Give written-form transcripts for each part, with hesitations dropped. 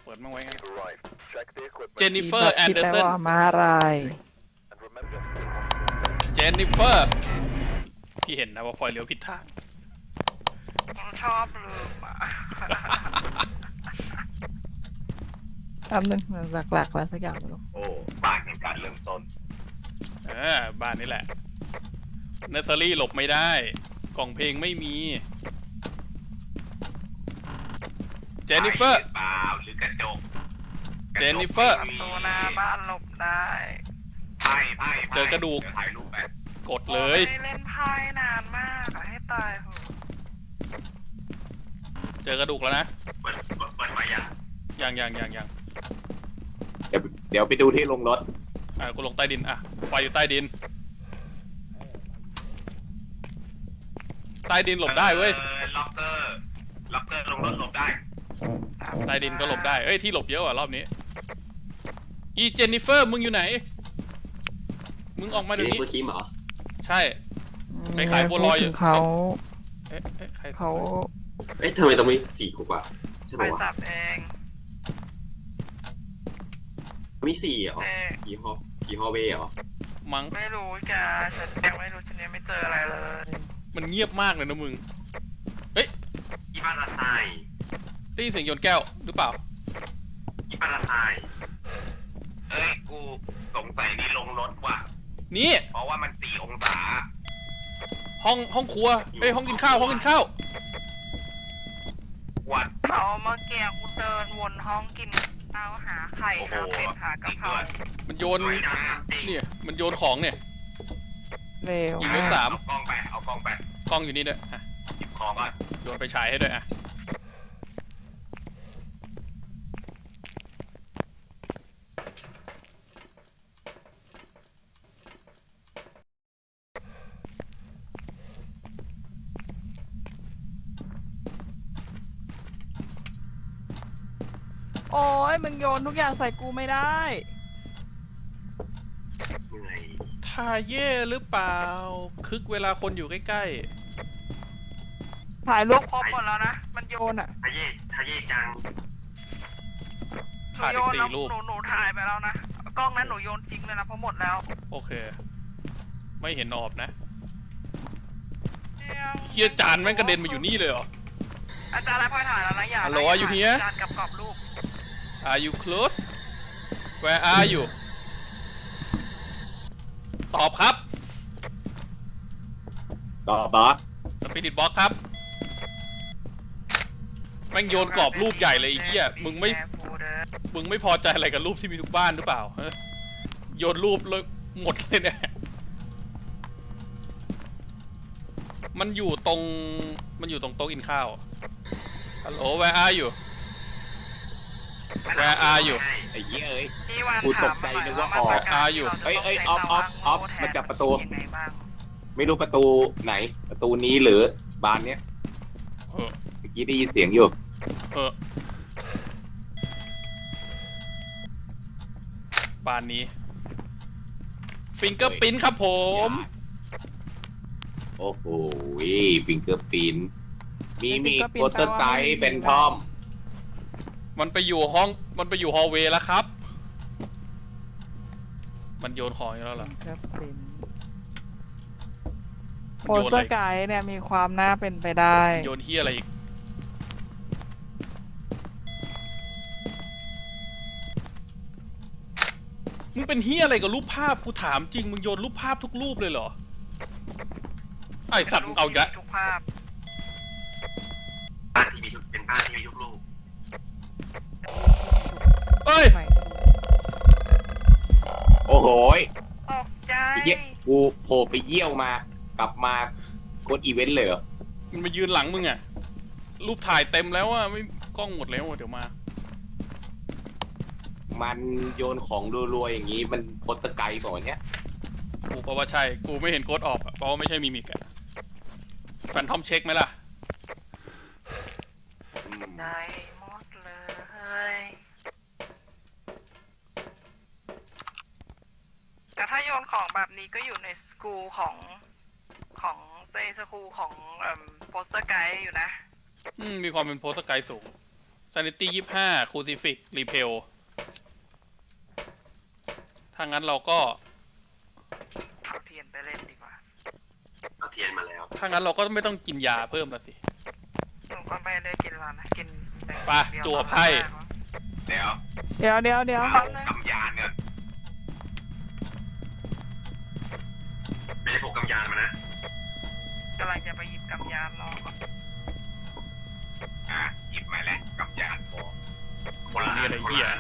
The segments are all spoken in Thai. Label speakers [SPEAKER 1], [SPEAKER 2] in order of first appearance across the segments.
[SPEAKER 1] เปิดมั่งไว้งั้น
[SPEAKER 2] Right. Check the equipment.
[SPEAKER 1] เจนนิเฟอร์แอนเดอร์สัน
[SPEAKER 3] คิดได้ว่ามาอะไร
[SPEAKER 2] And remember,
[SPEAKER 1] เจนนิเฟอร์พี่เห็นนะว่าพลอยเลี้ยวผิดทาง
[SPEAKER 4] ชอบลืมอ่ะ
[SPEAKER 3] แป๊บนึงหลักๆแล้วสักอย่างไม่รู้
[SPEAKER 5] โอ้บ้านแห่งการเริ่มต้น
[SPEAKER 1] บ้านนี้แหละเนอร์เซอรี่หลบไม่ได้กล่องเพลงไม่มีเจนนิเฟอร์
[SPEAKER 5] เปล่าหรือกระจก
[SPEAKER 1] เจนนิเฟอร์
[SPEAKER 4] ประตูหน้าบ้านหลบได้
[SPEAKER 5] ไพ่
[SPEAKER 1] เจอกระดูก
[SPEAKER 5] เยวถ่ายรูปไป
[SPEAKER 1] กดเลย
[SPEAKER 4] ไม่ได้เล่นไพ่นานมากอะให้ตายเหอะ
[SPEAKER 1] เจอกระดูกแล้วนะ
[SPEAKER 5] เปิดไฟยัง
[SPEAKER 1] ยัง
[SPEAKER 5] เดี๋ยวไปดูที่ลงรถ
[SPEAKER 1] กูลงใต้ดินไฟอยู่ใต้ดินใต้ดินหลบได้เว้ย
[SPEAKER 5] ล็อกเกอร์ลงรถหลบได้
[SPEAKER 1] ใต้ดินก็หลบได้ที่หลบเยอะรอบนี้อีเจนนิเฟอร์มึงอยู่ไหนมึงออกมาเดี๋ยวนี้
[SPEAKER 6] เคิมเหรอ
[SPEAKER 1] ใช่ไปขายบัวลอยอยู่
[SPEAKER 3] พูดถึงเขา
[SPEAKER 1] ใคร
[SPEAKER 3] เขา
[SPEAKER 6] เอ๊ะทำไมต้องมี4กว่าใช่
[SPEAKER 4] ไป
[SPEAKER 6] ป่าวะ
[SPEAKER 4] จับเอง
[SPEAKER 6] มี4เหรอ
[SPEAKER 4] เอ๊ะ
[SPEAKER 6] กี่ฮอเวย์เหรอ
[SPEAKER 1] มั้ง
[SPEAKER 4] ไม่รู้จ้าฉันยังไม่รู้ฉันยังไม่เจออะไรเลย
[SPEAKER 1] มันเงียบมากเลยนะมึง
[SPEAKER 5] อีบ้านละไซ
[SPEAKER 1] ได้ยินเสียงโยนแก้วหรือเปล่า
[SPEAKER 5] อีบ้านละไซกูสงสัยนี่ลงรถว่ะ
[SPEAKER 1] นี่
[SPEAKER 5] เพราะว่ามัน4 องศา
[SPEAKER 1] ห้องครัวห้องกินข้าว
[SPEAKER 5] วัด
[SPEAKER 4] เอาเมื่อกี้กูเดินวนห้องกินข้าวหาไข่หาเป็ดหากะเพรา
[SPEAKER 1] มันโยน
[SPEAKER 5] สวยนะจริง
[SPEAKER 1] เนี่ยมันโยนของเนี่ย
[SPEAKER 3] เร็ว
[SPEAKER 1] ยิงเลข3
[SPEAKER 5] เอากล้องไป
[SPEAKER 1] กล้องอยู่นี่ด้วย
[SPEAKER 5] หยิบของก่อน
[SPEAKER 1] โยนไปฉายให้ด้วย
[SPEAKER 3] โอ้ยมึงโยนทุกอย่างใส่กูไม่ได้
[SPEAKER 5] เหนื่อย
[SPEAKER 1] ทาเย่หรือเปล่าคึกเวลาคนอยู่ใกล้
[SPEAKER 3] ถ่ายรูป
[SPEAKER 4] ครบหมดแล้วนะ มันโย
[SPEAKER 3] โย
[SPEAKER 4] น
[SPEAKER 3] นอ่ะ
[SPEAKER 5] ทะเย่จัง
[SPEAKER 1] ๆขาดอีก4 รูป
[SPEAKER 4] หนูถ่ายไปแล้วนะกล้องนั้นหนูโยนทิ้งเลยนะเพราะหมดแล้ว
[SPEAKER 1] โอเค ไม่เห็นออบนะเฮียจานแม่งกระเด็นมาอยู่นี่เลยเหรอ
[SPEAKER 4] อาจารย์อะไรพลอยถ่ายแล้วนะอย่า
[SPEAKER 1] Hello, are you here?
[SPEAKER 4] จานกับกรอบลูก
[SPEAKER 1] Are you close Where are you ตอบครับ
[SPEAKER 5] ต่อบอส
[SPEAKER 1] สปิริตบ็อกครับแม่งโยนกรอบรูปใหญ่เลยไอ้เหี้ยมึงไม่พอใจอะไรกับรูปที่มีทุกบ้านหรือเปล่าฮะโยนรูปเลยหมดเลยเนี่ยมันอยู่ตรงโต๊ะกินข้าวฮัลโหล Where are you Where are you
[SPEAKER 5] ไอ้เหี้ยเอ้ย
[SPEAKER 4] พี่วัน
[SPEAKER 5] กู
[SPEAKER 4] ถาม
[SPEAKER 5] ตกใจ
[SPEAKER 4] มาห
[SPEAKER 5] นึ
[SPEAKER 4] น่
[SPEAKER 5] ก
[SPEAKER 4] อย
[SPEAKER 5] ว่า
[SPEAKER 4] ว่า
[SPEAKER 5] ออก
[SPEAKER 4] มาตรการ
[SPEAKER 1] อยู่
[SPEAKER 4] ที่เราจะต้อง
[SPEAKER 5] ออฟ
[SPEAKER 4] ใช้
[SPEAKER 5] มาจับประตู
[SPEAKER 4] ยังไงบ้าง
[SPEAKER 5] ไม่รู้ประตูไหน ประตูนี้หรือบานเนี้ย
[SPEAKER 1] เออ
[SPEAKER 5] เมื่อกี้ได้ยินเสียงอยู่
[SPEAKER 1] บ้านนี้ฟิงเกอร์ปิ้นครับผม
[SPEAKER 5] โอ้โหฟิงเกอร์ปินมี
[SPEAKER 3] Fingerprint
[SPEAKER 5] โปสเตอร์ไกด์แฟนทอม
[SPEAKER 1] มันไปอยู่ฮอลเวย์แล้วครับ มันโยนของอีกแล้วเหรอ
[SPEAKER 3] ครับเป็น
[SPEAKER 1] มัน
[SPEAKER 3] โป
[SPEAKER 1] โย
[SPEAKER 3] ส
[SPEAKER 1] น
[SPEAKER 3] เตอ
[SPEAKER 1] อะไร
[SPEAKER 3] ร์ไกด์เนี่ยมีความน่าเป็นไปได้
[SPEAKER 1] โยนเฮียอะไรอีกมึงเป็นเฮียอะไรกับรูปภาพกูถามจริงมึงโยนรูปภาพทุกรูปเลยเหรอไอสัตว์มึงเอาอีกแล้ว
[SPEAKER 4] ทุกภาพ
[SPEAKER 5] บ้านที่มีทุกเป็นบ้านที่มีทุกลูก
[SPEAKER 1] เอ้ย
[SPEAKER 3] ใหม่
[SPEAKER 5] โอ้โห
[SPEAKER 4] ตกใจ
[SPEAKER 5] ไอ้เหี้ยกูโผล่ไปเยี่ยวมากลับมากดอีเวนต์เลยเหรอ
[SPEAKER 1] มันมายืนหลังมึงอะรูปถ่ายเต็มแล้วอะไม่กล้องหมดแล้วอะเดี๋ยวมา
[SPEAKER 5] มันโยนของรัวๆอย่างนี้มันโปสเตอร์ไกด์ก่อนเนี้ย
[SPEAKER 1] กูก็ว่าใช่ กูไม่เห็นโค้ดออกอะเพราะว่าไม่ใช่มิมิกอะแฟนทอมเช็คไหมล่ะ
[SPEAKER 4] ได้หมดเลย แต่ถ้าโยนของแบบนี้ก็อยู่ในสกูลของเซสกูลของโปสเตอร์ไกด์อยู่นะ
[SPEAKER 1] มีความเป็นโพสต์ไกด์สูง sanity 25 crucifix repel ถ้างั้นเราก็
[SPEAKER 4] เอาเทียนไปเล่นดีกว่า
[SPEAKER 6] เอาเทียนมาแล้ว
[SPEAKER 1] ถ้างั้นเราก็ไม่ต้องกินยาเพิ่มแล้วสิ
[SPEAKER 4] หนูก็ไม่ได้กินแล้วนะกินแต่
[SPEAKER 1] ไปจั่วไพ่
[SPEAKER 5] เดี๋ยว
[SPEAKER 3] เดี๋ยวเดี๋ยวเดี๋ยว
[SPEAKER 5] เอากำยานเนี่ยไม่ได้พกกำยานมานะ
[SPEAKER 4] กำลังจะไปหยิบกำยานรอก่อน
[SPEAKER 5] หยิบมาแล้วกำยานพอคนละ
[SPEAKER 1] นี่อะไรเหี้ย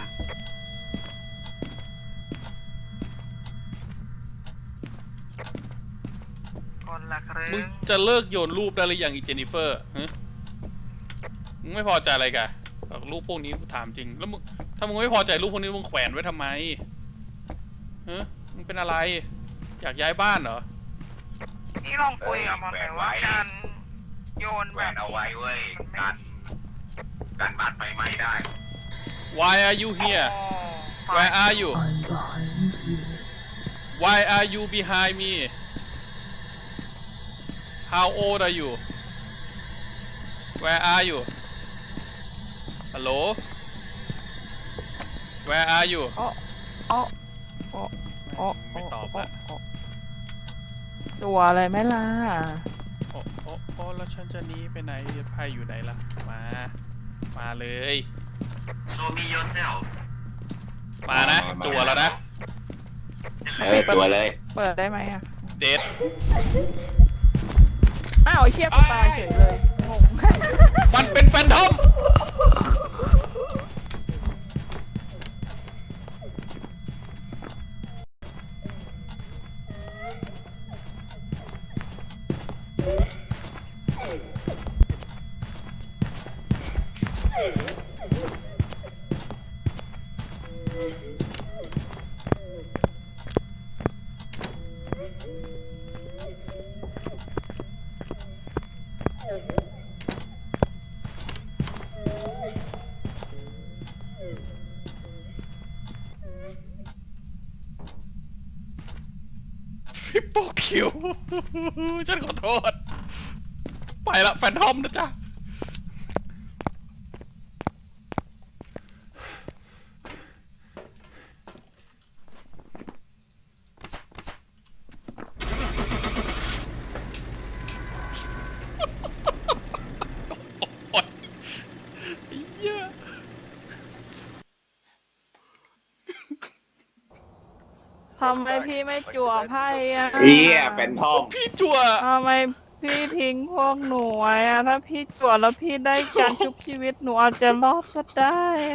[SPEAKER 4] คนละครึ่
[SPEAKER 1] มึง
[SPEAKER 4] ง
[SPEAKER 1] จะเลิกโยนรูปได้หรือยังอีเจนนิเฟอร์ฮะมึงไม่พอใจอะไรกันรูปพวกนี้กูถามจริง แล้วมึงถ้ามึงไม่พอใจรูปพวกนี้มึงแขวนไว้ทำไมฮะมึงเป็นอะไร อยากย้ายบ้านเหรอ
[SPEAKER 4] นี่ลองคุยกับมันหน่อยว่าการโยน
[SPEAKER 5] แห
[SPEAKER 4] แบ
[SPEAKER 5] ว
[SPEAKER 4] บ
[SPEAKER 5] นเอาไว้เว้ยการบ้านไฟไหม้ได้
[SPEAKER 1] Why are you here
[SPEAKER 4] โอ้
[SPEAKER 1] Where are you Why are you behind me How old are you Where are you Hello Where are you
[SPEAKER 3] อ๋ออ๋ออ๋ออ๋อ
[SPEAKER 1] ไม่ตอบละ
[SPEAKER 3] จั่วอะไรไหมล่ะ
[SPEAKER 1] โอ้โอ้โอ้แล้วฉันจะหนีไปไหนไพ่อยู่ไหนล่ะ มาเลย
[SPEAKER 5] Show me yourself
[SPEAKER 1] มานะ จั่วแล้วนะ
[SPEAKER 7] ตัวเลย
[SPEAKER 3] เปิดได้ไหมอ่ะ
[SPEAKER 1] เดท
[SPEAKER 3] อ้าวไอ้เชี่ยกูตายเฉยเลยงง
[SPEAKER 1] มันเป็นแฟนทอม ทริปเปิลคิว ฉันขอโทษ ไปละแฟนทอมนะจ๊ะ โอ๊ยไอ้เหี้ย
[SPEAKER 3] ทำไมพี่ไม่จั่วไพ่อ่ะ
[SPEAKER 7] เหี้ยเป็นทอม
[SPEAKER 1] พี่จั่ว
[SPEAKER 3] ทำไมพี่ทิ้งพวกหนูไว้อ่ะ ถ้าพี่จั่วแล้วพี่ได้การชุบชีวิตหนูอาจจะรอดก็ได้อะ